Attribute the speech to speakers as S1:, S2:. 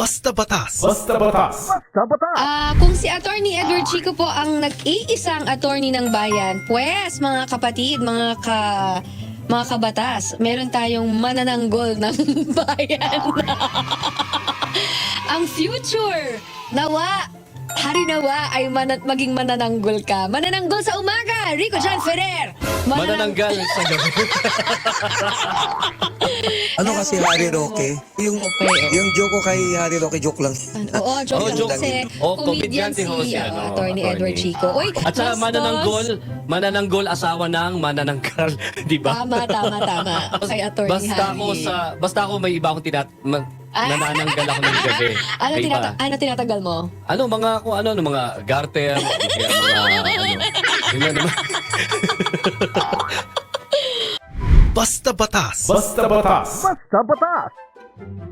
S1: Basta Batas.
S2: Basta Batas.
S3: Kung si Attorney Edward Chico po ang nag-iisang attorney ng bayan, pues mga kapatid, mga kabatas, meron tayong manananggol ng bayan. Ang future, nawa, hari nawa ay maging manananggol ka. Manananggol sa umaga, Rico Jan Ferrer.
S4: Manananggal sa gabi.
S5: Ano kasi Harry Roque? Yung joke ko kay Harry Roque, joke lang.
S3: Oo, joke lang
S4: joke.
S3: kasi comedian
S4: Comedian si Jose,
S3: Attorney Edward Chico. Uy,
S4: At saka
S3: bastos.
S4: manananggol asawa ng manananggal, di ba?
S3: Tama. Kay Attorney Harry.
S4: Basta ako may iba akong nanananggal ako ng gabi.
S3: Ano tinatagal mo?
S4: Mga garter, yun naman.
S1: Basta Batas.
S2: Basta Batas.